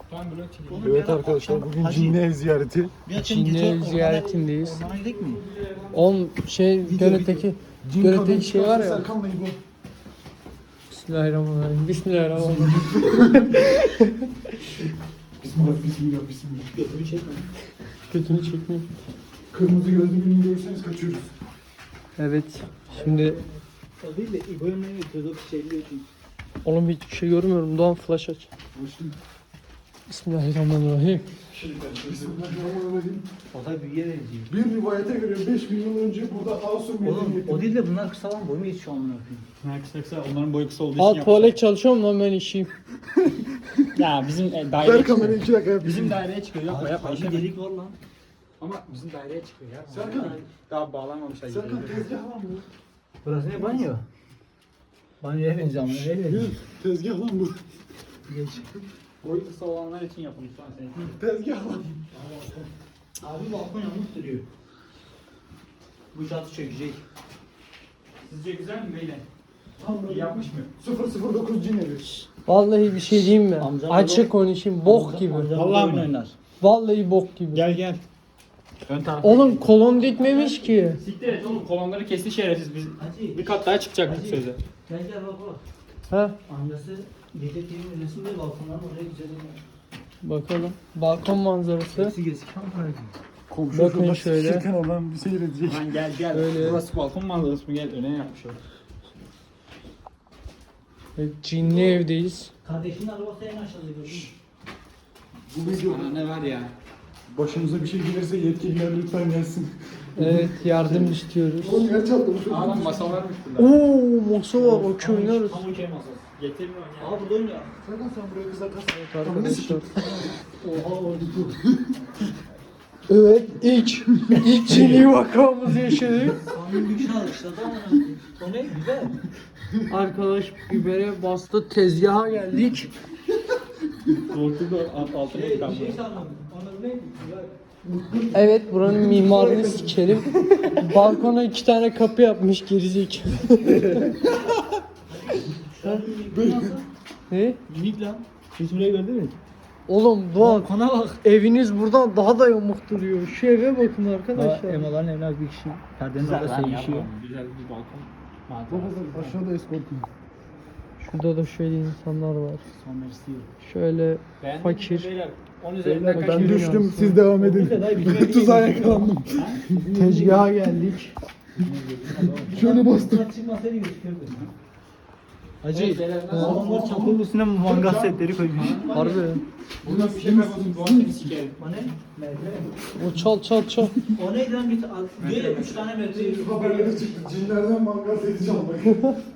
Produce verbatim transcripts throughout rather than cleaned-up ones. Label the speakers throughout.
Speaker 1: Evet arkadaşlar bugün Cinli ev ziyareti.
Speaker 2: Cinli ev ziyaretindeyiz.
Speaker 3: Ormana gidelim mi?
Speaker 2: On şey Gölet'teki Gölet'teki şey var ya. Bismillahirrahmanirrahim. Bismillahirrahmanirrahim.
Speaker 1: Bismillah bismillah bismillah.
Speaker 3: Götümü çekme.
Speaker 2: Kötünü çekmiyor.
Speaker 1: Kırmızı gözlü birini görürseniz kaçıyoruz.
Speaker 2: Evet. Şimdi
Speaker 3: O değil de İbo'nun ne götürdü o şeyliyor çünkü.
Speaker 2: oğlum hiçbir şey görmüyorum. Doğan flash aç.
Speaker 1: Başlayayım.
Speaker 2: Bismillahirrahmanirrahim.
Speaker 1: Bismillahirrahmanirrahim.
Speaker 3: O da büyüye benziyor.
Speaker 1: Bir rivayete göre beş bin yıl önce burada Asur
Speaker 3: Oğlum
Speaker 1: medeniyeti.
Speaker 3: o değil de bunlar kısa lan boyu mu yetişiyor amına koyayım?
Speaker 4: Ha kısa kısa onların boyu kısa olduğu için
Speaker 2: Aa
Speaker 4: yapmışlar.
Speaker 2: tuvalet çalışıyor mu lan ben işeyim?
Speaker 4: Ya bizim e,
Speaker 1: Ver
Speaker 4: daireye
Speaker 1: kamerayı
Speaker 4: çıkıyor.
Speaker 1: iki dakika yapayım.
Speaker 4: Bizim daireye çıkıyor. Yapma yapma.
Speaker 3: Bir
Speaker 4: işeme.
Speaker 3: delik var lan.
Speaker 4: Ama bizim daireye çıkıyor ya.
Speaker 1: Serkan.
Speaker 4: Daha bağlanmamışlar.
Speaker 1: Serkan tezgah lan bu.
Speaker 3: Burası ne banyo? Banyoya benziyor amına koyayım.
Speaker 1: Yürü, tezgah lan bu.
Speaker 3: Geç.
Speaker 4: Boyu kısa olanlar için yapılmış şu an senin.
Speaker 1: Tezgah lan.
Speaker 3: Abi balkon yalnız duruyor. Bu çatı çökecek.
Speaker 4: Sizce güzel mi beyler?
Speaker 1: Tam
Speaker 4: İyi
Speaker 1: böyle
Speaker 4: yapmış mı?
Speaker 1: sıfır sıfır dokuz cin evi.
Speaker 2: Vallahi bir şey diyeyim mi?
Speaker 3: Amcam
Speaker 2: Açık
Speaker 3: orada-
Speaker 2: konuşayım. Bok
Speaker 3: Amca-
Speaker 2: gibi.
Speaker 3: amcam
Speaker 4: Vallahi
Speaker 3: oyun
Speaker 4: mi?
Speaker 3: oynar.
Speaker 2: Vallahi bok gibi.
Speaker 4: Gel gel. Ön tarafta.
Speaker 2: Oğlum kolon dikmemiş ki.
Speaker 4: Siktir et oğlum kolonları kesti şerefsiz biz.
Speaker 3: Hacı.
Speaker 4: Bir kat daha çıkacaktık
Speaker 3: Hacı.
Speaker 4: sözde.
Speaker 3: Gel gel bak bak.
Speaker 2: Ha
Speaker 3: Amcası gece T V izlesin diye balkondan oraya güzel oynar.
Speaker 2: bakalım. Balkon manzarası.
Speaker 3: Hepsi gezik amına koyayım.
Speaker 1: Komşu
Speaker 2: Bakın
Speaker 1: şurada
Speaker 2: şöyle.
Speaker 1: sıçırken olan bir seyredecek.
Speaker 4: Lan gel gel.
Speaker 2: Öyle.
Speaker 4: Burası balkon manzarası mı? Gel öne yapmış o.
Speaker 2: Evet, cinli evdeyiz.
Speaker 3: Kardeşinin arabası en aşağıda gördün mü?
Speaker 1: Bu video
Speaker 4: Ana ne var ya?
Speaker 1: başımıza bir şey gelirse yetkililer lütfen gelsin.
Speaker 2: Evet yardım istiyoruz.
Speaker 1: Oğlum yer çatlamış.
Speaker 4: Aa lan masa varmış burada.
Speaker 2: Oo masa var okey oynarız.
Speaker 4: Tam okey masası. Getirin onu ya.
Speaker 3: Aa burada oynuyor.
Speaker 1: Serkan sen buraya kıza kas.
Speaker 2: Arkadaşlar.
Speaker 3: Oha orada dur.
Speaker 2: Evet ilk ilk cinli vakamızı yaşadık.
Speaker 3: Kanun güçlü alışladı amına koyayım. O ne güzel.
Speaker 2: Arkadaş bibere bastı tezgaha geldik.
Speaker 4: Korktu da alt- altına
Speaker 3: Şey,
Speaker 4: yıkandı.
Speaker 3: bir şey sandım. Ona ne? Güzel.
Speaker 2: Evet buranın mimarını sikerim. Balkona iki tane kapı yapmış gerizekalı. Ne?
Speaker 3: Minik lan. Hiç burayı gördün mü?
Speaker 2: Oğlum Doğan
Speaker 3: Balkona bak.
Speaker 2: eviniz buradan daha da yamuk duruyor. Şu eve bakın arkadaşlar.
Speaker 3: Emaların evine bir kişi. Perdenin orada sevişiyor.
Speaker 4: Güzel bir balkon.
Speaker 1: Baba bak aşağıda eskortum.
Speaker 2: Şurada da şöyle insanlar var.
Speaker 3: Son mersi.
Speaker 2: Şöyle
Speaker 4: Beğendiniz mi
Speaker 2: fakir.
Speaker 4: beyler? On üzerinden kaç
Speaker 1: Ben
Speaker 2: Yürü
Speaker 1: düştüm
Speaker 2: yansın.
Speaker 1: siz devam edin. Tuzağa yakalandım.
Speaker 2: Tezgaha geldik.
Speaker 1: Şöyle bastım.
Speaker 3: Çıkmasaydı gözükürdü.
Speaker 4: Hacı.
Speaker 3: Adamlar çapının üstüne mangal setleri koymuş.
Speaker 2: Harbi.
Speaker 4: Buradan bir şey kaybolsun. Doğan seni sikerim.
Speaker 3: O ne? Merdiven.
Speaker 2: O çal çal çal.
Speaker 3: O neydi lan bir ta- diyor ya üç tane merdiven yürüyor.
Speaker 1: Haberlere çıktı. Cinlerden mangal seti çalmayı.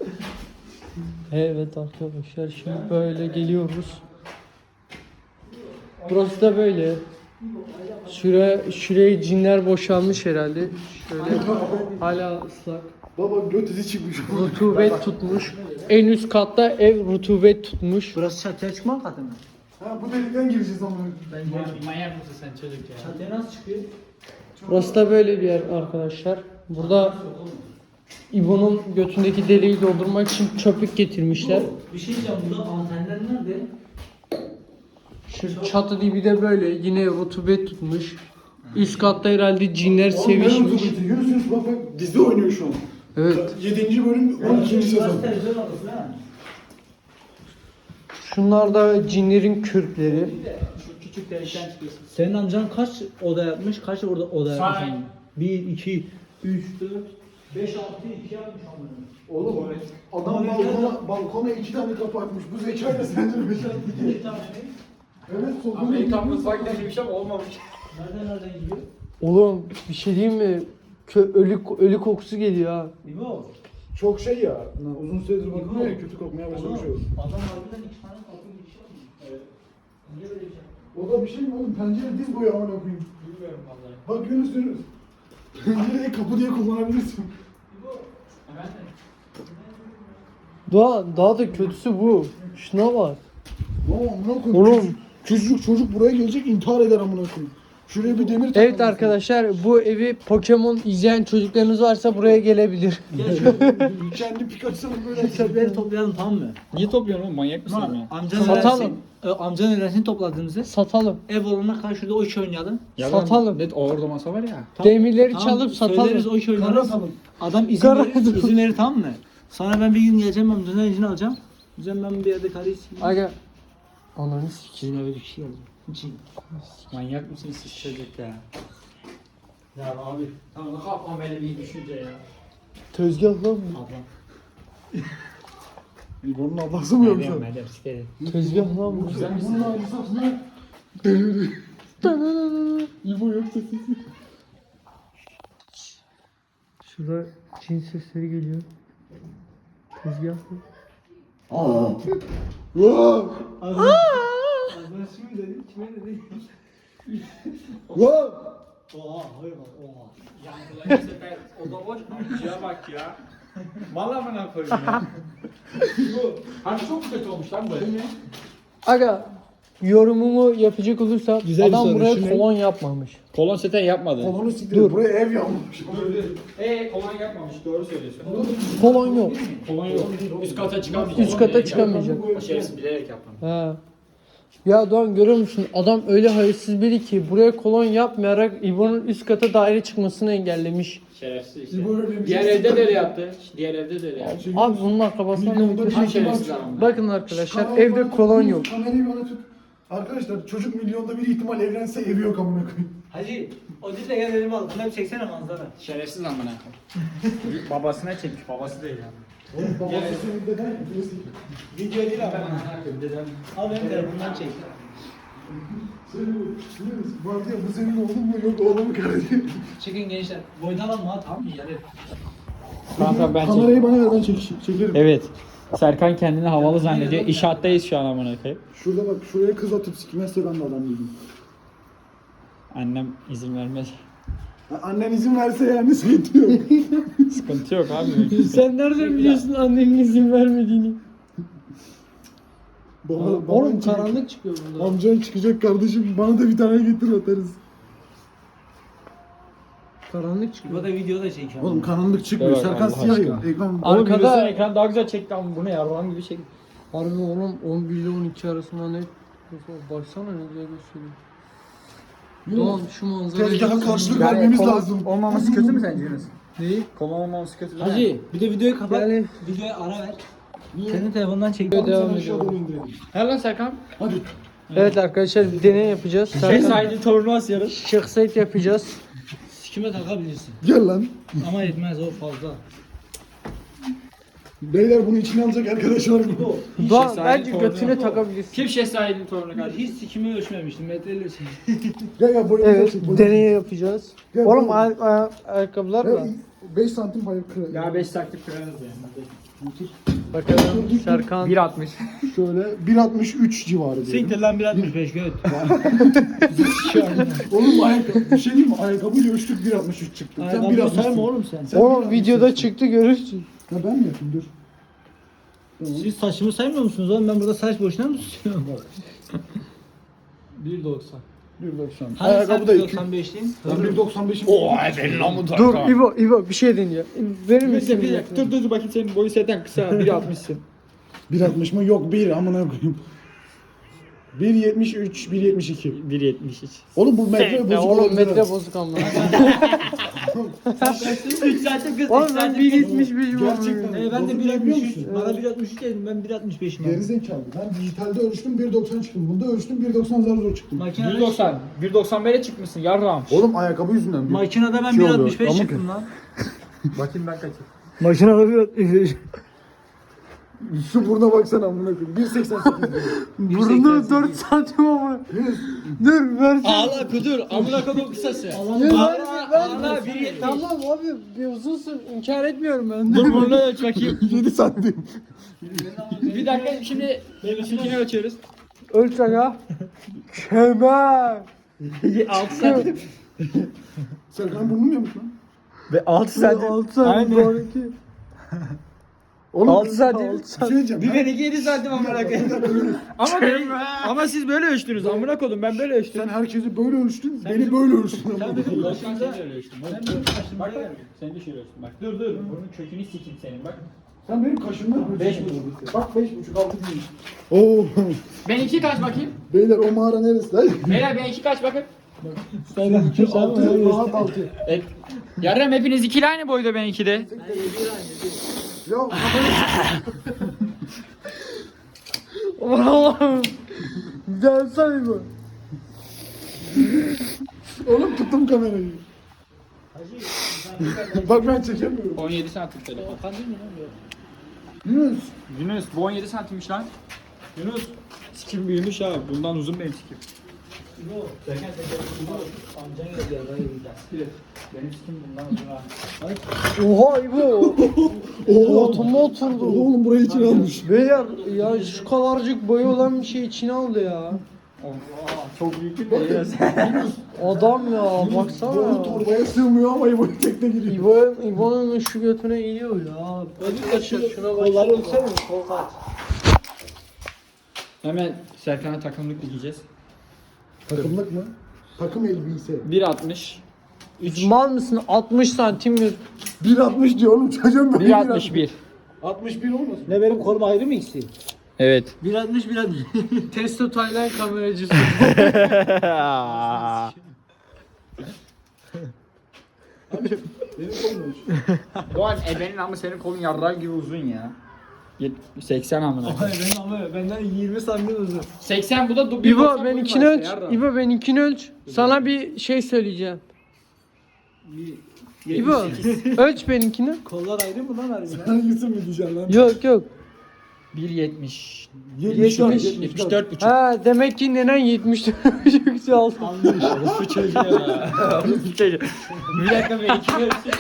Speaker 2: Evet arkadaşlar şimdi böyle geliyoruz. Burası da böyle. Şuraya, şuraya cinler boşalmış herhalde. Şöyle hala ıslak.
Speaker 1: Baba göt izi çıkmış.
Speaker 2: Rutubet tutmuş. En üst katta ev rutubet tutmuş.
Speaker 3: Burası çatıya çıkma katı mı?
Speaker 1: Ha bu delikten gireceğiz ama.
Speaker 3: Ben
Speaker 4: Manyak mısın sen çocuk ya?
Speaker 3: çatıya nasıl çıkıyor?
Speaker 2: Burası da böyle bir yer arkadaşlar. Burada İbo'nun götündeki deliği doldurmak için çöplük getirmişler.
Speaker 3: Bir şey diyeceğim burada antenler nerede?
Speaker 2: Şu çatı dibi de böyle yine rutubet tutmuş. Üst katta herhalde cinler
Speaker 1: Oğlum ben
Speaker 2: sevişmiş.
Speaker 1: otobüsü. Yürüsünüz bak bak dizi oynuyor şu an.
Speaker 2: Evet.
Speaker 1: yedinci bölüm on ikinci sezon.
Speaker 3: Burası televizyon odası ha.
Speaker 2: Şunlar da cinlerin kürkleri.
Speaker 4: Şu küçük delikten çıkıyorsun.
Speaker 3: Senin amcan kaç oda yapmış? Kaç orada oda
Speaker 4: Say.
Speaker 3: yapmış? bir, iki, üç, dört, beş, altı, iki yapmış amına.
Speaker 1: Oğlum adam balkona, balkona iki tane kapı açmış. Bu zekayla sence beş
Speaker 3: Bir tane ne?
Speaker 1: Evet solda.
Speaker 4: Amerikan mutfak demiş ama olmamış.
Speaker 3: Nereden nereden gidiyor?
Speaker 2: Oğlum bir şey diyeyim mi? Kö ölü ölü kokusu geliyor ha.
Speaker 3: Değil mi o?
Speaker 1: Çok şey ya. Uzun süredir bakmıyor ya kötü kokmaya başlamış
Speaker 3: Oğlum,
Speaker 1: oldu.
Speaker 3: adam harbiden iki tane kapı girişi yapmış. Evet. Niye böyle bir şey?
Speaker 1: O da bir şey mi oğlum? Pencere diz boyu amına koyayım.
Speaker 4: Bilmiyorum vallahi.
Speaker 1: Bak Yunus Yunus. Pencereyi kapı diye kullanabilirsin.
Speaker 4: Efendim?
Speaker 2: Daha daha da kötüsü bu. Şuna bak.
Speaker 1: Oğlum amına koyayım.
Speaker 2: Oğlum.
Speaker 1: Çocuk, çocuk çocuk buraya gelecek intihar eder amına koyayım. Şuraya bir demir
Speaker 2: Evet
Speaker 1: takalım.
Speaker 2: arkadaşlar bu evi Pokemon izleyen çocuklarınız varsa buraya gelebilir.
Speaker 3: Gel şöyle
Speaker 1: Kendi Pikachu'nun böyle
Speaker 3: çöpleri toplayalım tamam mı?
Speaker 4: Niye topluyorsun oğlum? Manyak mısın
Speaker 3: Ama
Speaker 4: ya?
Speaker 3: amcanın
Speaker 2: Satalım.
Speaker 3: öğrensin, e, amcanın öğrensin topladığımızı
Speaker 2: Satalım.
Speaker 3: ev olana karşı şurada oyun oynayalım.
Speaker 2: Satalım.
Speaker 4: Net orada masa var ya.
Speaker 2: Demirleri
Speaker 3: Tamam,
Speaker 2: çalıp
Speaker 3: söyleriz
Speaker 2: satalım.
Speaker 3: oyun oynarız.
Speaker 1: Kara
Speaker 3: Adam izin
Speaker 2: Kara
Speaker 3: verir, izin verir tamam mı? Sonra ben bir gün geleceğim amcanın izin alacağım. Diyeceğim ben bir yerde karıyı sikeyim.
Speaker 2: Aga. Ananı sikeyim.
Speaker 3: Sizin eve bir şey geldi. Için.
Speaker 4: Manyak mısınız siz çocuk ya?
Speaker 3: Ya abi.
Speaker 4: Tamam kafam böyle bir düşünce ya.
Speaker 2: Tezgah lan bu.
Speaker 3: Ablam.
Speaker 1: İbo'nun ablası mı yoksa?
Speaker 4: Meryem Meryem sikerim.
Speaker 2: Tezgah lan bu.
Speaker 1: Güzel misin? Bunun ablası aslında. Deli. İbo yoksa sesi.
Speaker 2: Şurada cin sesleri geliyor. Tezgah mı?
Speaker 1: Aa. Vaa.
Speaker 3: Arkadaşım dedi, kime dedi?
Speaker 1: Vaa.
Speaker 3: Oha, hayır bak, oha.
Speaker 4: Yankılar sefer oda boş. Amcaya bak ya. Valla bana koyayım ya. Bu. Harbi çok kötü olmuş lan bu.
Speaker 2: Aga yorumumu yapacak olursam
Speaker 3: Güzel bir
Speaker 2: adam
Speaker 3: soru,
Speaker 2: buraya
Speaker 3: şu ne?
Speaker 2: kolon yapmamış.
Speaker 4: Kolon seten yapmadı.
Speaker 1: Kolonu siktir. Buraya ev yapmış.
Speaker 4: Eee kolon yapmamış. Doğru söylüyorsun.
Speaker 2: Kolon yok.
Speaker 4: Kolon yok. Üst kata çıkamayacak.
Speaker 2: Üst kata çıkamayacak.
Speaker 4: O şerefsiz bilerek yapmamış.
Speaker 2: Ha. Ya Doğan görüyor musun? Adam öyle hayırsız biri ki buraya kolon yapmayarak İbo'nun üst kata daire çıkmasını engellemiş.
Speaker 4: Şerefsiz işte.
Speaker 1: İbo öyle bir
Speaker 4: Diğer
Speaker 1: şey
Speaker 4: evde de öyle yaptı. Diğer evde de öyle yaptı.
Speaker 2: Abi bunun akrabasından
Speaker 1: Milyonda bir
Speaker 2: ne
Speaker 1: şey
Speaker 4: şerefsiz
Speaker 1: var.
Speaker 4: adam.
Speaker 2: Bakın arkadaşlar
Speaker 1: Kamerayı
Speaker 2: evde
Speaker 1: bana-
Speaker 2: kolon yok.
Speaker 1: Kamerayı bana tut. Arkadaşlar çocuk milyonda bir ihtimal evlense evi yok amına koyayım.
Speaker 3: Hacı, o değil de gel elimi al. Bunları bir çeksene manzara.
Speaker 4: Şerefsiz amına koyayım. Babasına çekmiş. Babası değil yani.
Speaker 1: Oğlum babası
Speaker 4: Yani-
Speaker 1: senin deden mi? Birisi.
Speaker 3: Video değil abi.
Speaker 4: Dedem.
Speaker 3: Al benim telefondan çek.
Speaker 1: Senin, senin, var ya bu senin oğlun mu yok oğlum mu kardeşim?
Speaker 3: Çekin gençler. Boydan alma ha tamam mı? Yani.
Speaker 4: Tamam tamam ben
Speaker 1: Kamerayı bana ver ben çek, çekerim.
Speaker 4: Evet. Serkan kendini havalı zannediyor. İnşaattayız şu an amına koyayım.
Speaker 1: Şurada bak şuraya kız atıp sikmezse ben de adam değilim.
Speaker 4: Annem izin vermez.
Speaker 1: Ha, annen izin verse yani sıkıntı yok.
Speaker 4: Sıkıntı yok abi.
Speaker 2: Sen nereden biliyorsun annenin izin vermediğini?
Speaker 1: Baba,
Speaker 2: Oğlum
Speaker 1: baban çıkacak.
Speaker 2: karanlık çıkıyor burada.
Speaker 1: Amcan çıkacak kardeşim bana da bir tane getir atarız.
Speaker 2: Karanlık çıkıyor.
Speaker 3: Bu da video da çekiyor.
Speaker 1: Oğlum karanlık çıkmıyor.
Speaker 4: Evet,
Speaker 1: Serkan
Speaker 4: Allah
Speaker 1: siyah ya.
Speaker 4: aşkına.
Speaker 1: Ekran
Speaker 2: Arkada-
Speaker 4: Arkada ekran daha güzel çekti ama bu ne ya? Roman gibi çek.
Speaker 2: Harbi oğlum on bir ile on iki arasında ne? Baksana ne güzel gösteriyor. Doğan şu manzarayı...
Speaker 1: Tezgaha karşılık vermemiz lazım.
Speaker 4: Olmaması kötü mü sence Yunus?
Speaker 2: Neyi?
Speaker 4: Kolon olmaması kötü değil mi?
Speaker 3: Hacı, bir de videoyu kapat.
Speaker 2: Yani-
Speaker 3: Videoya ara ver. Senin telefondan çek.
Speaker 2: Devam
Speaker 1: Devam
Speaker 2: edelim.
Speaker 1: aşağı doğru indirelim.
Speaker 4: He lan Serkan.
Speaker 1: Hadi.
Speaker 2: Evet arkadaşlar bir deney yapacağız.
Speaker 4: Şey
Speaker 2: Serkan
Speaker 4: saydı turnuvası yarış.
Speaker 2: şahsiyet yapacağız.
Speaker 3: Sikime takabilirsin.
Speaker 1: Gel lan.
Speaker 3: Ama yetmez o fazla.
Speaker 1: Beyler bunu içine alacak arkadaşlar bu.
Speaker 2: Doğan
Speaker 4: şahsiyet
Speaker 2: bence
Speaker 4: torunu
Speaker 2: götüne
Speaker 4: yok.
Speaker 2: takabilirsin.
Speaker 4: Kim şehzadenin torunu
Speaker 3: Ben
Speaker 4: kardeşim?
Speaker 3: hiç sikimi ölçmemiştim. Metreyle ölçmemiştim.
Speaker 1: Gel gel boyumuza
Speaker 2: Evet
Speaker 1: çek. boyumuza
Speaker 2: deney
Speaker 1: çek.
Speaker 2: yapacağız.
Speaker 1: Gel,
Speaker 2: Oğlum
Speaker 1: gel.
Speaker 2: ay- ay- ayakkabılar
Speaker 1: Ya,
Speaker 2: mı?
Speaker 1: beş santim pay kır.
Speaker 4: Ya beş taktik kırarız yani.
Speaker 2: Bakalım Serkan.
Speaker 4: bir altmış.
Speaker 1: Şöyle bir altmış üç civarı diyelim.
Speaker 3: Siktir lan bir altmış beş göt.
Speaker 1: Oğlum ayakkabı, bir şey diyeyim mi? Ayakkabıyla ölçtük bir altmış üç çıktı. Sen bir
Speaker 3: Ayakkabıyı
Speaker 1: altmış
Speaker 3: sayma oğlum sen.
Speaker 1: Sen
Speaker 2: Oğlum
Speaker 1: bir
Speaker 2: videoda
Speaker 1: altmış
Speaker 2: çıktı görürsün.
Speaker 1: Ya ben mi yapayım dur.
Speaker 3: Siz saçımı saymıyor musunuz oğlum? Ben burada saç boşuna mı tutuyorum?
Speaker 4: bir doksan.
Speaker 1: bir doksan.
Speaker 3: Hani
Speaker 1: Ayakkabı
Speaker 3: sen
Speaker 1: da
Speaker 3: bir
Speaker 1: iki.
Speaker 3: doksan beşliyim.
Speaker 1: Ben bir doksan beşim.
Speaker 4: efendim lan bu
Speaker 2: Dur İbo İbo bir şey deniyor. Verir
Speaker 4: Bir
Speaker 2: misin?
Speaker 4: dakika, bir dakika. Dur dur dur bakayım senin boyu seten kısa. bir altmışsın.
Speaker 1: bir altmış mı? Yok bir amına koyayım. bir yetmiş üç, bir yetmiş iki.
Speaker 4: bir yetmiş üç.
Speaker 1: Oğlum bu metre
Speaker 2: Ya
Speaker 1: bozuk
Speaker 2: oğlum
Speaker 1: olabilir
Speaker 2: metre
Speaker 1: ha.
Speaker 2: bozuk ama.
Speaker 3: üç saatte kız.
Speaker 2: Oğlum ben bir yetmiş beşim
Speaker 1: Gerçekten.
Speaker 3: Ee, ben de
Speaker 1: Bozuk
Speaker 3: bir altmış
Speaker 1: biliyor
Speaker 3: üç.
Speaker 1: musun?
Speaker 3: Bana bir altmış üç dedim. Ben bir altmış beşim.
Speaker 1: Geri zekalı. Ben dijitalde ölçtüm bir doksan çıktım. Bunda ölçtüm bir doksan zar zor çıktım.
Speaker 3: Makinede,
Speaker 4: bir doksan. bir doksan bire çıkmışsın yarram.
Speaker 1: Oğlum ayakkabı yüzünden. bir-
Speaker 3: makinede ben
Speaker 1: Şey
Speaker 3: bir
Speaker 1: oluyor,
Speaker 3: altmış beş
Speaker 1: amık
Speaker 3: çıktım lan.
Speaker 4: Bakayım ben kaçım.
Speaker 3: Makinede bir altmış beş.
Speaker 1: Şu buruna baksana amına koyayım. bir seksen sekiz diyor.
Speaker 2: Burnu dört santim ama. Dur versin.
Speaker 4: Ağla kudur. Amına kodum kısası.
Speaker 2: Ya
Speaker 3: Allah'ım.
Speaker 2: ver, ver,
Speaker 4: ağla,
Speaker 2: ver.
Speaker 4: bir yetmiş.
Speaker 2: Tamam abi bir uzunsun inkar etmiyorum ben.
Speaker 4: Dur bunu ölç bakayım.
Speaker 1: yedi santim.
Speaker 4: Bir dakika şimdi benimkini ölçüyoruz.
Speaker 2: Ölç aga. Kemer.
Speaker 4: altı santim.
Speaker 1: Serkan burnum yamuk lan.
Speaker 4: Ve altı
Speaker 2: Altı santim.
Speaker 4: Aynen.
Speaker 2: Doğru ki.
Speaker 1: Oğlum,
Speaker 2: altı saat
Speaker 1: bir
Speaker 2: altı saat.
Speaker 1: şey diyeceğim.
Speaker 3: Bir benimki yedi santim amına koyayım. Ama ben, ama siz böyle ölçtünüz amına koydum ben böyle ölçtüm.
Speaker 1: Sen herkesi böyle ölçtün, beni böyle ölçtün.
Speaker 3: Sen bizim başımıza
Speaker 4: Sen de ölçtün.
Speaker 3: Sen benim başımıza
Speaker 4: Bak
Speaker 3: gel.
Speaker 4: bak. Sen de şöyle ölçtün. Bak dur dur. Bunun kökünü sikeyim senin bak.
Speaker 1: Sen benim kaşımda ölçtün.
Speaker 3: Beş buçuk.
Speaker 1: Bak beş buçuk altı değil. Oo.
Speaker 4: Benimki kaç bakayım?
Speaker 1: Beyler o mağara neresi lan?
Speaker 4: Beyler benimki kaç bakın?
Speaker 3: Sen iki
Speaker 1: Altı, rahat altı.
Speaker 4: E, yarım hepiniz ikili aynı boyda benimki de.
Speaker 1: Ya
Speaker 2: Allah'ım. Gelsene bu.
Speaker 1: oğlum tuttum kamerayı. Bak ben çekemiyorum.
Speaker 4: on yedi santim telefon.
Speaker 1: Yunus.
Speaker 4: Yunus bu on yedi santimmiş lan. Yunus. Sikim büyümüş ha. Bundan uzun benim sikim. Benim sikim bundan uzun ha.
Speaker 2: Oha İbo.
Speaker 1: Oha.
Speaker 2: Oturma oturdu.
Speaker 1: Oğlum burayı için almış.
Speaker 2: Beyler ya şu kadarcık boyu olan bir şey içine aldı ya.
Speaker 4: Çok büyük bir de.
Speaker 2: Adam ya
Speaker 1: Boyu
Speaker 2: baksana.
Speaker 1: torbaya sığmıyor ama İbo'yu tekne giriyor.
Speaker 2: İbo, İbo'nun şu götüne iniyor ya. Arkadaşlar şuna bak.
Speaker 3: Kolları ölçsene kol kaç.
Speaker 4: Hemen Serkan'a takımlık dikeceğiz.
Speaker 1: Takımlık mı? Takım elbise.
Speaker 4: bir altmış.
Speaker 2: Mal mısın? altmış santim mi?
Speaker 1: bir altmış diyor oğlum çocuğum böyle.
Speaker 4: bir altmış bir.
Speaker 1: altmış bir olmasın?
Speaker 3: Ne benim kolum ayrı mı ikisi?
Speaker 4: Evet.
Speaker 3: bir altmış bir altmış.
Speaker 2: Testo Tayland kameracısı.
Speaker 1: Benim kolum
Speaker 4: Doğan ebenin ama senin kolun yarrak gibi uzun ya. Yet- seksen amına.
Speaker 3: Hayır benim ama benden yirmi santim uzun.
Speaker 4: seksen bu da bir
Speaker 2: İbo
Speaker 4: doksan
Speaker 2: ben
Speaker 4: boyun
Speaker 2: ikini
Speaker 4: var
Speaker 2: ölç.
Speaker 4: işte, yarrak.
Speaker 2: İbo ben ikini ölç. Sana bir şey söyleyeceğim. İbo ölç benimkini.
Speaker 3: Kollar ayrı mı lan harbiden?
Speaker 1: Hangisi mi diyeceksin lan?
Speaker 2: Yok yok.
Speaker 4: bir yetmiş.
Speaker 1: yetmiş dört,
Speaker 2: yetmiş-
Speaker 4: yetmiş dört buçuk.
Speaker 2: Ha demek ki nenen yetmiş dört buçuk aldı.
Speaker 3: Anlamış.
Speaker 4: Bu çocuğu ya. Bu çocuğu. Bir dakika ben iki ölçeyim.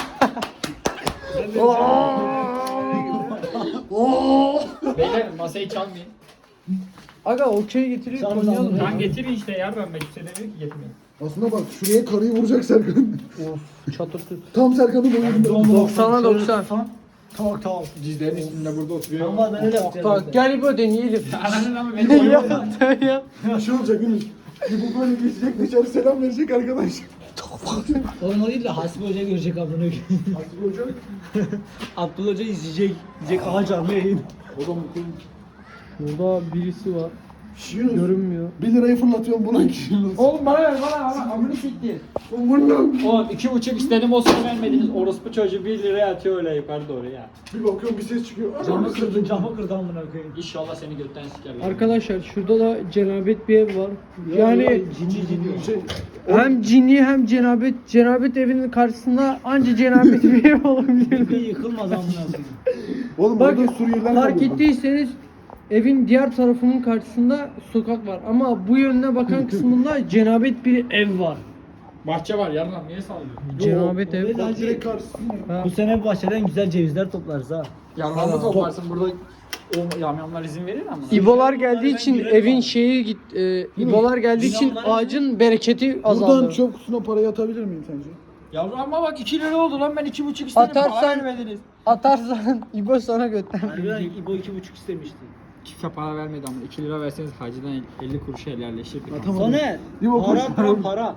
Speaker 4: Beyler masayı çalmayın.
Speaker 2: Aga okey getirip
Speaker 3: Tamam,
Speaker 2: oynayalım.
Speaker 3: tamam.
Speaker 4: Lan getirin işte ya ben ben kimse demiyor ki getirmeyin.
Speaker 1: Aslında bak şuraya karıyı vuracak Serkan.
Speaker 2: Of çatırtı.
Speaker 1: Tam Serkan'ın boyunda.
Speaker 2: doksana doksan.
Speaker 3: Tamam tamam.
Speaker 4: Dizlerin üstünde burada oturuyor.
Speaker 3: Tamam ben öyle yapacağım.
Speaker 2: Bak gel İbo deneyelim.
Speaker 4: Ananın ama beni
Speaker 2: Yap sen yap.
Speaker 1: Şey olacak Yunus. Bu böyle geçecek dışarı selam verecek arkadaş.
Speaker 3: Oğlum o değil de Hasbi Hoca görecek amına koyayım.
Speaker 1: Aslı hocam.
Speaker 3: Abdullah Hoca izleyecek. Diyecek aha canlı yayın.
Speaker 1: Oğlum
Speaker 2: Burada birisi var.
Speaker 1: Yunus.
Speaker 2: Görünmüyor.
Speaker 1: bir lirayı fırlatıyorum buna ki Yunus.
Speaker 4: Oğlum bana ver bana bana amını siktir.
Speaker 1: Oğlum
Speaker 4: Oğlum iki buçuk istedim o sana vermediniz. Orospu çocuğu bir liraya atıyor öyle yukarı doğru ya.
Speaker 1: bir bakıyorum bir ses çıkıyor.
Speaker 3: Camı kırdın camı kırdın amına koyayım.
Speaker 4: İnşallah seni götten sikerler.
Speaker 2: Arkadaşlar şurada da cenabet bir ev var. Yani
Speaker 3: Cinli cinli.
Speaker 1: Şey,
Speaker 2: hem cinli hem cenabet. Cenabet evinin karşısında anca cenabet bir ev olabilir.
Speaker 3: Bir yıkılmaz amına koyayım.
Speaker 1: oğlum
Speaker 2: Bak
Speaker 1: burada Suriyeliler
Speaker 2: fark
Speaker 1: kalıyor.
Speaker 2: ettiyseniz evin diğer tarafının karşısında sokak var. Ama bu yönüne bakan kısmında cenabet bir ev var.
Speaker 4: Bahçe var yarın niye sallıyorsun?
Speaker 2: Cenabet ev.
Speaker 1: Bak direkt karşısında.
Speaker 2: Ha.
Speaker 3: Bu sene bahçeden güzel cevizler toplarız ha.
Speaker 4: Yarın toplarsın burada o yamyamlar izin verir ama.
Speaker 2: İbolar geldiği için evin şeyi git. E, İbolar geldiği için
Speaker 3: Binalar-
Speaker 2: ağacın bereketi
Speaker 1: Buradan
Speaker 2: azaldı.
Speaker 1: çöp kutusuna parayı atabilir miyim sence?
Speaker 4: Yavrum ama bak iki lira oldu lan ben iki buçuk istedim.
Speaker 2: Atarsan-
Speaker 4: Para vermediniz.
Speaker 2: Atarsan İbo sana götten.
Speaker 3: Harbiden İbo iki buçuk istemişti.
Speaker 4: Kimse para vermedi ama iki lira verseniz hacıdan elli kuruşa helalleşirdik.
Speaker 1: Tamam.
Speaker 3: Soner.
Speaker 1: İbo koş.
Speaker 3: Para para para.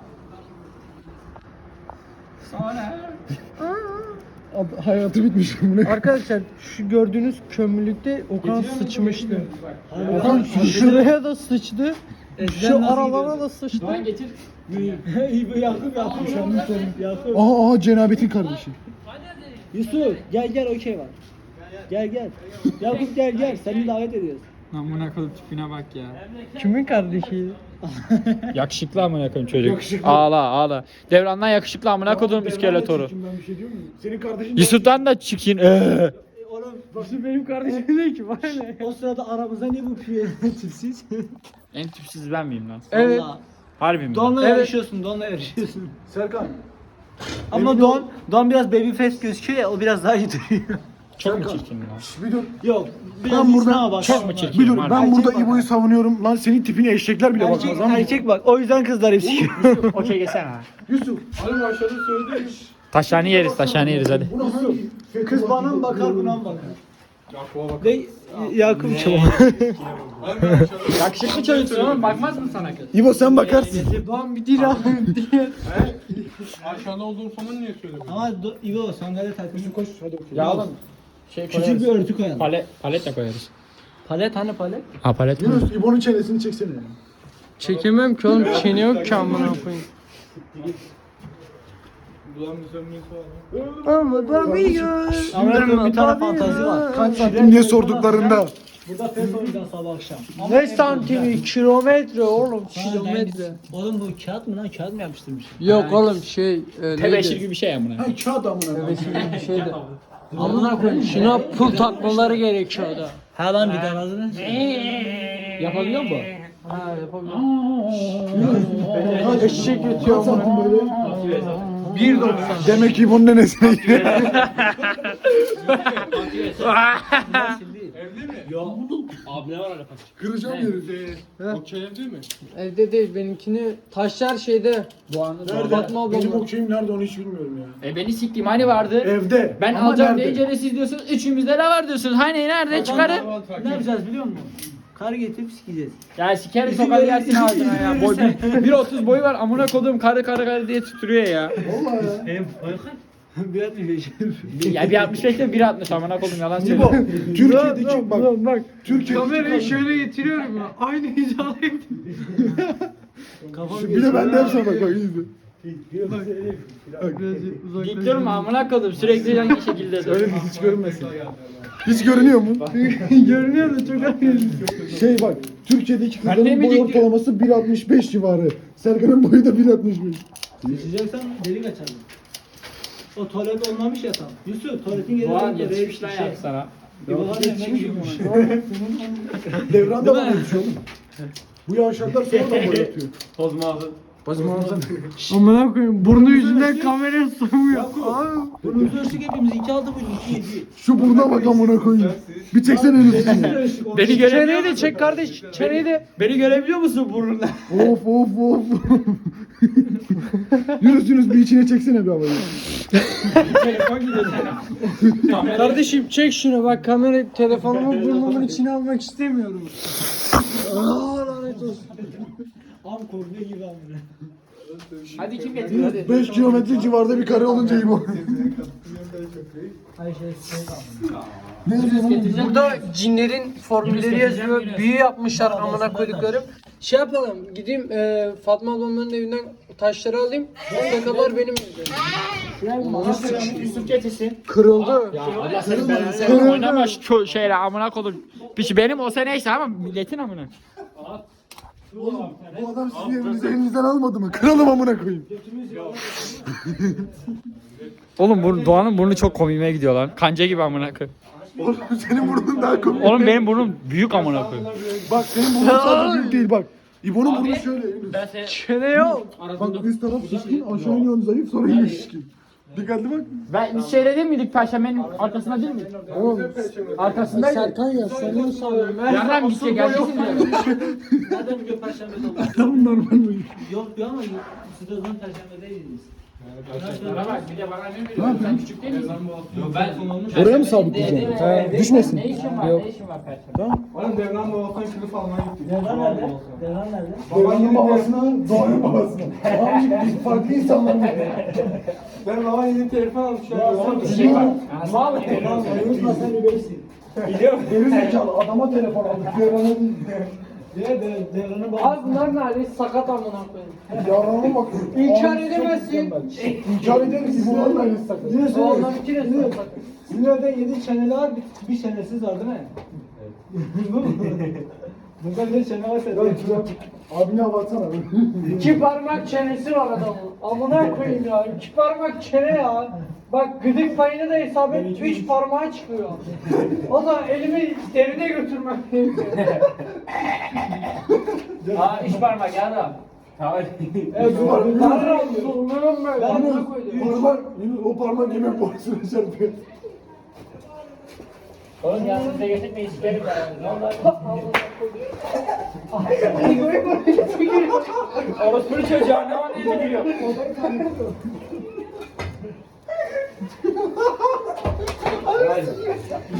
Speaker 4: Sonra.
Speaker 1: Ad- Hayatı bitmiş bunu.
Speaker 2: Arkadaşlar şu gördüğünüz kömürlükte Okan sıçmıştı.
Speaker 3: Harbiden
Speaker 2: Okan şuraya da sıçtı.
Speaker 3: Eskiden
Speaker 2: Şu
Speaker 3: nasıl
Speaker 2: aralara
Speaker 3: gidiyordu?
Speaker 2: da sıçtı.
Speaker 4: Doğan getir.
Speaker 3: İbo Yakup Yakup şu an Yakup.
Speaker 1: Aha aha cenabetin kardeşi.
Speaker 3: Yusuf gel gel okey var. Gel gel. Yakup gel gel seni davet ediyoruz.
Speaker 4: Amına koyup tipine bak ya.
Speaker 2: Kimin kardeşi?
Speaker 4: Yakışıklı amına koyayım çocuk.
Speaker 1: Yakışıklı.
Speaker 4: Ağla ağla. Devrandan yakışıklı amına koyduğum iskeletoru.
Speaker 1: Ben bir şey diyor muyum? Senin kardeşin
Speaker 4: Yusuf'tan da çıkın. Ee.
Speaker 3: Oğlum
Speaker 2: Nasıl benim kardeşim değil ki bana ne?
Speaker 3: o sırada aramızda ne bu piyo tipsiz?
Speaker 4: En tipsiz ben miyim lan?
Speaker 2: Evet.
Speaker 3: Vallahi.
Speaker 4: Harbi mi?
Speaker 3: Don'la
Speaker 2: Evet.
Speaker 3: yarışıyorsun, Don'la yarışıyorsun.
Speaker 1: Serkan.
Speaker 3: Ama
Speaker 1: Emin
Speaker 3: Don,
Speaker 1: ol-
Speaker 3: Don biraz baby face gözüküyor ya, o biraz daha iyi duruyor.
Speaker 4: Çok mu
Speaker 1: Serkan.
Speaker 4: çirkin lan?
Speaker 1: Şş, bir dur.
Speaker 3: Yok, biraz
Speaker 1: Ben
Speaker 3: ben
Speaker 1: burada
Speaker 3: bak.
Speaker 4: çok mu çirkin?
Speaker 1: Bir dur.
Speaker 4: Var.
Speaker 1: Ben
Speaker 3: Erkek
Speaker 1: burada
Speaker 3: bak.
Speaker 1: İbo'yu savunuyorum. Lan senin tipine eşekler bile
Speaker 3: Erkek,
Speaker 1: bakmaz ama.
Speaker 3: erkek bak, o yüzden kızlar hep sikiyor.
Speaker 4: Okey geçsene ha.
Speaker 1: Yusuf. Hani başladı söyledim.
Speaker 4: Taşhane yeriz taşhane yeriz hadi.
Speaker 1: Buna hangi?
Speaker 3: Kız bana mı bakar, buna mı bakar?
Speaker 4: Yakup'a bak.
Speaker 3: Ne? Yakup çabuk.
Speaker 2: Yakışıklı çocuksun oğlum bakmaz mı sana kız?
Speaker 1: İbo sen bakarsın.
Speaker 2: Doğan bir dil alayım diye.
Speaker 4: Aşağıda olduğum zaman niye söylemiyorsun?
Speaker 3: Ama do- İbo sandalye takıyorsun.
Speaker 1: Koş hadi okey.
Speaker 2: Ya oğlum. Şey
Speaker 3: Küçük bir örtü koyalım.
Speaker 2: Palet, palet de koyarız.
Speaker 3: Palet hani palet?
Speaker 2: Ha palet mi?
Speaker 1: Yunus İbo'nun çenesini çeksene.
Speaker 2: Çekemem ki oğlum çene yok ki amına koyayım.
Speaker 4: Ulan bir samimiyeti var.
Speaker 2: Ama tabii
Speaker 3: Şimdi bir tane fantazi var.
Speaker 1: Kaç santim diye sorduklarında.
Speaker 3: Burada pes oynayacağız sabah akşam. Ama
Speaker 2: Ne santimi? Kilometre oğlum
Speaker 3: Ha, ben
Speaker 2: kilometre.
Speaker 3: biz- Oğlum bu kağıt mı lan? Kağıt mı yapıştırmış?
Speaker 2: Yok oğlum şey e,
Speaker 4: Tebeşir
Speaker 2: neydi?
Speaker 4: gibi bir şey ya buna.
Speaker 1: Ha kağıt amına.
Speaker 2: Tebeşir gibi bir şeydi. Amına koyayım şuna pul takmaları gerekiyor da.
Speaker 3: Ha lan bir tane adını.
Speaker 2: Yapabiliyor mu? Ha yapabiliyor. Eşek ötüyor
Speaker 1: Kaç santim
Speaker 2: amına.
Speaker 1: böyle?
Speaker 2: bir doksan.
Speaker 1: Demek ki İbo'nun nenesine giriyor.
Speaker 4: Evli mi?
Speaker 3: Abi ne var öyle paç?
Speaker 1: Kıracağım yeri.
Speaker 4: Okey evli mi?
Speaker 2: Evde değil benimkini taşlar şeyde.
Speaker 1: Nerede?
Speaker 2: Fatma
Speaker 1: Benim
Speaker 2: ablamla.
Speaker 1: okeyim nerede onu hiç bilmiyorum ya.
Speaker 5: E beni siktiğim hani vardı.
Speaker 1: Evde.
Speaker 5: Ben
Speaker 1: Ama
Speaker 5: alacağım
Speaker 1: nerede?
Speaker 5: deyince de siz diyorsunuz üçümüzde ne var diyorsunuz. Hani nerede çıkarın?
Speaker 3: Ne yapacağız biliyor musun? Kar getirip sikeceğiz.
Speaker 5: Ya sikerim sokar yersin ağzına ya. Boy bir otuz boyu var amına koduğum karı karı karı diye tutturuyor ya.
Speaker 1: Vallahi ya.
Speaker 3: Hem bir atmış beş.
Speaker 5: Ya bir altmış beş de bir altmış amına kodum yalan
Speaker 1: İbo,
Speaker 5: söylüyorum.
Speaker 1: Türkiye'deki bak.
Speaker 2: bak.
Speaker 1: Türkiye'deki
Speaker 2: Kamerayı şöyle getiriyorum ya. Aynı hizalayı.
Speaker 3: Kafam
Speaker 1: Bir de ben de yapsam bak bak izle.
Speaker 5: Dik durma amına kodum sürekli hangi şekilde dur.
Speaker 1: Öyle bir hiç görünmesin. Hiç görünüyor mu?
Speaker 2: Görünüyor da çok aynı.
Speaker 1: Şey bak, Türkiye'deki
Speaker 5: Ben
Speaker 1: kızların boy
Speaker 5: demeyecektim.
Speaker 1: ortalaması bir altmış beş civarı. Serkan'ın boyu da bir altmış beş.
Speaker 3: Geçeceksen delik açalım. O tuvalet olmamış ya tam. Yusuf tuvaletin yeri
Speaker 5: Doğan
Speaker 3: orada,
Speaker 5: yetişmiş lan
Speaker 3: şey.
Speaker 5: ya sana.
Speaker 3: İbo var ya ne gülüyormuş.
Speaker 1: Devran da bana yetişiyor oğlum. Bu yavşaklar sonradan boy atıyor.
Speaker 4: Tozma aldın.
Speaker 2: Amına koyayım burnu yüzünden kameraya sığmıyor. Abi.
Speaker 3: Bunu ölçtük hepimiz iki altı bu iki yedi.
Speaker 1: Şu buruna bak amına koyayım. Bir çeksene elini.
Speaker 5: Beni görebiliyor
Speaker 2: Çeneyi de
Speaker 5: musun?
Speaker 2: çek kardeş. Çeneyi de.
Speaker 5: Beni görebiliyor musun burnundan?
Speaker 1: Of of of. Yunus Yunus bir içine çeksene bir havayı.
Speaker 5: Telefon gidiyor sana.
Speaker 2: Kardeşim çek şunu bak kamera telefonumu burnumun içine almak istemiyorum. Aa lanet olsun.
Speaker 3: Am korkuyor gibi amına.
Speaker 5: Hadi kim getirir hadi.
Speaker 1: beş kilometre civarda bir kare olunca iyi bu.
Speaker 3: Ay şey
Speaker 1: Ne diyorsun?
Speaker 2: Burada cinlerin formülleri yazıyor. Büyü yapmışlar amına koyduklarım. Şey yapalım gideyim e, Fatma ablamların evinden taşları alayım. Plakalar benim evde.
Speaker 5: Yusuf getirsin.
Speaker 2: Kırıldı.
Speaker 5: Allah seni belanı sen oynama şu şeyle amına kodum. Peki benim olsa neyse ama milletin amına.
Speaker 1: Bu adam sizin evinizi elinizden almadı mı? Kıralım amına koyayım.
Speaker 5: Oğlum bu Doğan'ın burnu çok komiğime gidiyor lan. Kanca gibi amına koyayım.
Speaker 1: Oğlum senin burnun daha komik.
Speaker 5: Oğlum benim burnum büyük amına koyayım.
Speaker 1: Bak senin burnun sadece büyük değil bak. İbo'nun burnu şöyle. Yunus.
Speaker 2: Çene yok.
Speaker 1: Bak üst taraf şişkin, aşağı iniyorsun zayıf, sonra yine şişkin. Dikkatli bak.
Speaker 5: Ben biz şeyde değil miydik Perşembe'nin arkasında değil miydik?
Speaker 2: Oğlum
Speaker 5: Arkasındaydı.
Speaker 2: Serkan ya sen ne sanıyorsun?
Speaker 5: Yarram gitse gelmesin diyor.
Speaker 3: Zaten bugün perşembe oldu.
Speaker 1: Tamam normal mi?
Speaker 3: Yok diyor ama siz de o zaman perşembedeydiniz.
Speaker 5: Bana bak bir de bana ne veriyorsun? Sen küçük değil misin?
Speaker 1: Oraya mı sabitleyeceğim? Düşmesin.
Speaker 5: Ne işin var? Ne işin var Perşembe?
Speaker 4: Oğlum Devran babasından kılıf almaya gittik.
Speaker 3: Devran nerede? Devran nerede?
Speaker 1: Babanın babasına, Doğan'ın babasına. Abi biz farklı insanlar mı?
Speaker 4: Ben baba yeni telefon almış ya.
Speaker 5: Bir şey var.
Speaker 3: Mal Devran unutma sen bir beysin.
Speaker 1: Geri zekalı adama telefon aldık. Devran'a değil.
Speaker 3: Diye de Devran'ın
Speaker 2: Abi
Speaker 3: babası.
Speaker 2: bunlar ne hali? Sakat amına koyayım.
Speaker 1: Yarrağıma bak.
Speaker 2: İnkar
Speaker 1: Abi,
Speaker 2: edemezsin.
Speaker 1: çok mükemmel. İnkar ederiz. İbo'nun ailesi sakın.
Speaker 2: Oğlum iki de sakat.
Speaker 3: Sizin evde yedi çeneli var, bir, bir çenesiz var değil mi? Evet. Bunda bir çene var sende.
Speaker 1: Abine hava atsana.
Speaker 2: İki parmak çenesi var adamın. Amına koyayım ya. İki parmak çene ya. Bak gıdık payını da hesap et. Üç parmağı çıkıyor. O da elimi derine götürmek.
Speaker 5: Aa üç parmak ya adam.
Speaker 2: Evet, Tanrım sulmanım böyle.
Speaker 3: Ben
Speaker 2: Amına
Speaker 3: de-
Speaker 2: koydum.
Speaker 1: Parmak, o parmak yemek borusuna çarpıyor.
Speaker 5: Oğlum ya size getirmeyi sikerim ya. Ne oldu? Orospu'nun çocuğa ne var diye gülüyor.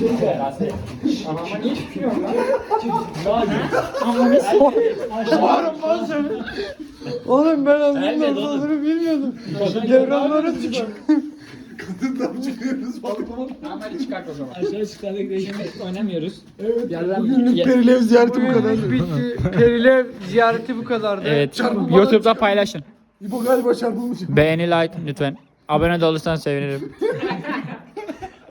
Speaker 5: Ama niye çıkıyorsun lan?
Speaker 2: Oğlum ben anlamda nasıl olduğunu bilmiyordum. Devranlara tükür.
Speaker 1: Kadından çıkıyoruz balkona.
Speaker 5: Tamam hadi çıkart o zaman.
Speaker 3: Aşağı çıkardık değişik.
Speaker 5: Şimdi oynamıyoruz.
Speaker 3: Evet.
Speaker 5: Yerden
Speaker 1: Bugünlük
Speaker 5: Ye-
Speaker 1: Perilev ziyareti bu kadar.
Speaker 2: Bugünlük bitti. Perilev ziyareti bu kadardı.
Speaker 5: Evet.
Speaker 1: Çarpılmadan
Speaker 5: YouTube'da
Speaker 1: çıkar.
Speaker 5: paylaşın.
Speaker 1: İbo galiba çarpılmış.
Speaker 5: Beğeni, like lütfen. Abone de olursan sevinirim.